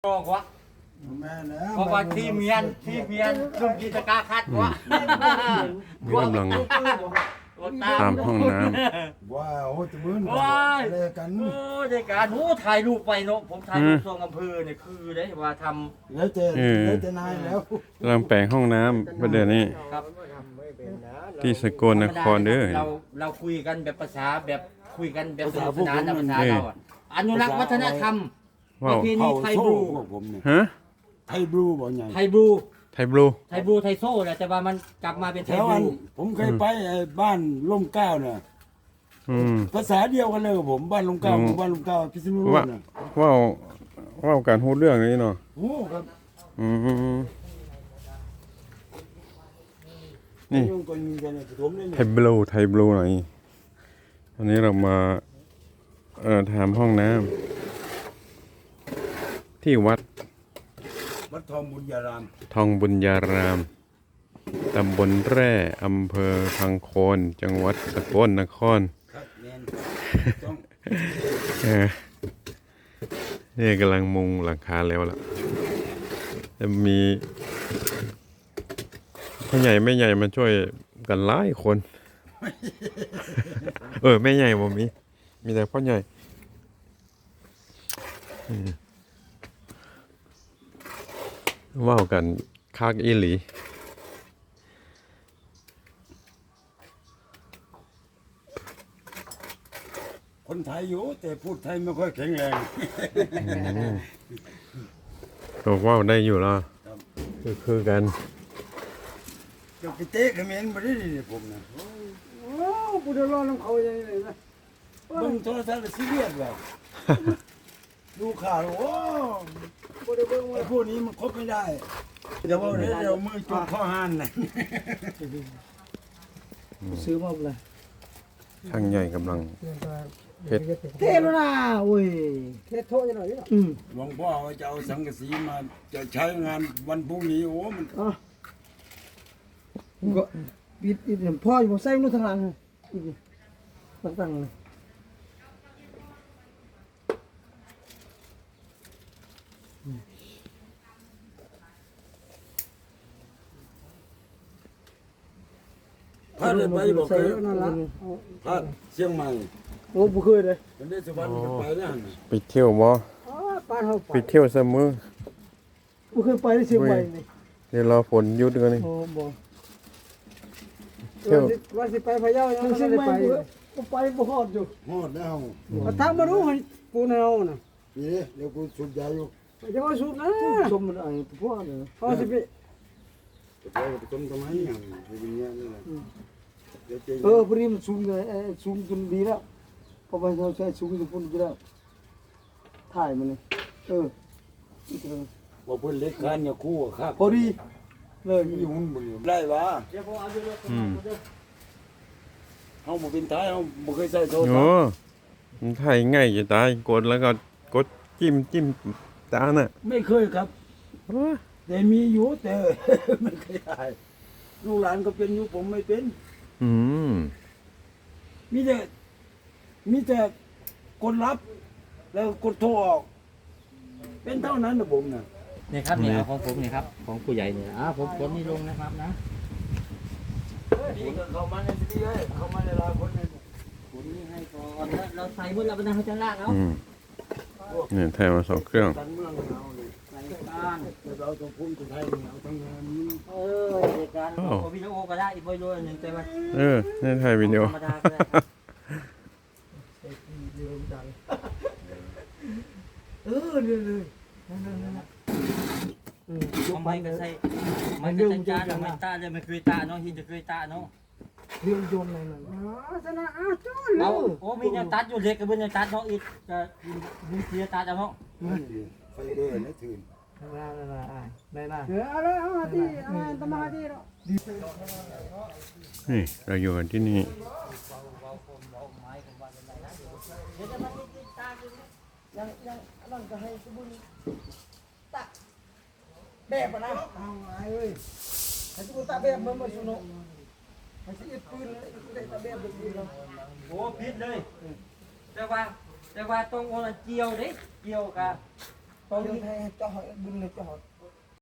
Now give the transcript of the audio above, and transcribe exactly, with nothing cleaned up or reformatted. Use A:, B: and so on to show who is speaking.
A: บอกว่าเพราะว่าที่เมียนที่เมียนลุงกิจการคัดว่า
B: กำลังตามห้องน้
C: ว้าวโอ้จะมื้น
A: ว้าย
C: อะไรกัน
A: โอ้ในการโอ้ถ่ายรูปไปเนาะผมถ่ายรูปทรงอำเภอเนี่ยคือได้ว่าท
C: แล้วเจแล้วเจนายแล้ว
B: ำกำลังแปลงห้องน้ำประเดี๋ยวนี้
A: ำครับ
B: ที่สกลนครเด้อ
A: เราเราคุยกันแบบภาษาแบบคุยกันแบบสนุกสนานนะภาษาเราอะอนุรักษ์วัฒนธรรมป
B: ว้า
A: ระ
B: ว
A: เพณี
C: เขา
A: ไทย
C: โซ่
A: บลู
C: พวกผมเนี่ย
B: ฮะ
C: ไทยบลูบ่ใหญ่
A: ไทยบลู
B: ไทยบลู
A: ไทยบลูไทยโซ่แหละแต่ว่ามันกลับมาเป็น
C: แถ
A: ไทยว บ
C: อัน
A: ลู
C: ผมเคยไปไอ้บ้านล่มเกล้าเนี่ย
B: อืม
C: ภาษาเดียวกันเลยกับผมบ้านล่มเกล้า
B: อืม
C: หมู่บ้านล่มเกล้าพิษณุโล
B: ว่าก
C: น่ะ
B: ว่าวว่าวการพูดเรื่องนี้เนาะ
C: โอ้ครับ
B: อืมนี่
C: ยุ่งกันมีกันเนี่ยผมเนี่ย
B: ไทยบลูไทยบลูหน่อยวันนี้เรามาเอ่อทำห้องน้ำที่วัด
C: วัดทองบุญญาราม
B: ทองบุญญาราม ตำบลแร่อำเภอพังโคน จังหวัดสกลนคร
C: ครับแมนต้อง
B: เออนี่กำลังมุงหลังคาแล้วล่ะจะมีพ่อใหญ่แม่ใหญ่มาช่วยกันหลายคน เออแม่ใหญ่บ่มี มีแต่พ่อใหญ่อืมว่าวกันคักอีหลี
C: คนไทยอยู่แต่พูดไทยไม่ค่อยแข็งแรง
B: ตัวว่าวได้อยู่แล้วคือคือกัน
C: จะไปเตะเขมรมาได้ดิผมนะ
D: โอ้ปุถุชนของเขาอย่างนี้เลยนะ
C: เบิ่งโทรทัศน์แล้วซีเรียสแบบดูข่าวแล้วโอ้
D: ปุถุชน
C: ไอ้พวกนี้มันคบไม่ได้แต่ว่าเดี๋ยวเรามือจุกข้อห้านน่ะ
D: ซื้อมาเลย
B: ช่างใหญ่กำลัง เพชร
D: เทโลนาโอ้ยเทโทจะหน่อยดิอืม
C: หลวงพ่อว่าจะเอาสังกะสีมาจะใช้งานวันพรุ่งนี้โอ้มัน
D: อ่ะก็ปิดปิดพ่ออยู่ใส่นู่นทางหลังอีกตั้งๆเลย
C: พาได้ไปบอก
D: ใส่
C: เลย
D: นั่นละ
C: พาเชียงใหม่
D: โอ้บุเคยเลย
C: เป็นได้สุวรรณก็ไปแล้วหั่นน่ะ
B: ไปเที่ยวบ่
D: อ๋อป้านเขา
B: ไปเที่ยวเสมอ
D: บุเคยไปที่เชียงใหม่นี่
B: เดี๋ยวรอฝนหยุดกันนี่
D: โอ้บ่
B: เที่ยว
D: ว่าสิไปพะเยายังไม่ได้ไปก็ไปบ่ฮอดอยู่
C: ฮอดแล้ว
D: ทางมารู้ให้กูแนวน่ะ
C: นี่เดี๋ยวกูสูบยาอยู่
D: จะมาสูบนะชมมันไอ้พวกเนี่ยเขาสิไป
C: จะไปต้มทำไมอย่างเป็นอย่างนี้แหละเดี๋ยวจะ
D: เออพอดีมันสูงเลยเออสูงจนดีแล้วพอไปเราใช้สูงจนพุ่นก็แล้วถ่ายมันเลยเออ
C: ว่าเพิ่นเล็กคันอย่าคู่กับข้า
D: พอดีเลย
C: มีหุ่นบ่อยู่ได้วะ
B: อืม
C: เฮาบ่เป็นท้ายเฮาบ่เคยใช้โทรศัพ
B: โอ้
C: ท์
B: มันถ่ายง่ายจะตายกดแล้วก็กดจิ้มจิ้มตาน่ะ
C: ไม่เคยครับ แต่มีอยู่แต่ ไม่เคยถ่ายลูกหลานก็เป็นอยู่ผมไม่เป็น
B: อืม
C: มีแต่มีแต่กดรับ แล้วกดโทรออก เป็นเท่านั้นนะผมนะ
A: นี่ครับเนี่ยเอาของผมเนี่ยครับของผู้ใหญ่เนี่ยอ่าผมคนนี้ลงนะครับนะ
C: ดีก็เข้ามาในที่นี้เลยเข้ามาในลายคนนึง
A: ผมนี่ให้ก่อนแล้วเราใส่หมดแล้วเป็นทางชั้นล่างเอา
B: อืมเนี่ยถ่ายมาสองเครื่อง
C: การเมืองเอาเลย
A: ใส่บ้าน
C: แล้วเราต้องพุ่งไปไทยเอาทั้งงานนี้
A: เออเด็กการโอวิดีโอก็ได้อีกบ่อยด้วยหนึ่งแต่ว่า
B: เออนี่ถ่ายวิดีโอ
A: ธรรมดาก็ได้ครับ
D: เออเลยเลยนั่นนั่นนั่นอืม
A: เอาไม้ก็ใส่ไม้ก็จัดจานเอาไม้ตาเลยไม่เคยตาเนาะหินจะเคยตาเนาะ
D: เรื่องโยนอะไรนั่นอ๋อชนะอ้าวจ้อนเล
A: เอา
D: ย
A: โอ้มีเนี่ยตัดอยู่เล็กกับเบิ้ลเนี่ยตัดเนาะอีกจะมีเสียตัดเอาเนาะ
C: ไฟเดอร์นะถืน
D: ได้ได้ได้ได้เอออะไรเอาที่อ่าตมาที่เนาะ
B: นี่เราอยู่กันที่นี่
D: ยังยังนั่นก็ให้สมุนตะแบบนะเอาไงเว้ยให้สมุนตะแบบมันมาสุนให้สิปืนได้ตะแบบปืนเรา
A: โอ้พิษเลยแต่ว่าแต่ว่าต้องโอนเกี่ยวเด้เกี่ยวกับ
D: เดี๋ยวให้เจาะบุญเลยเจาะ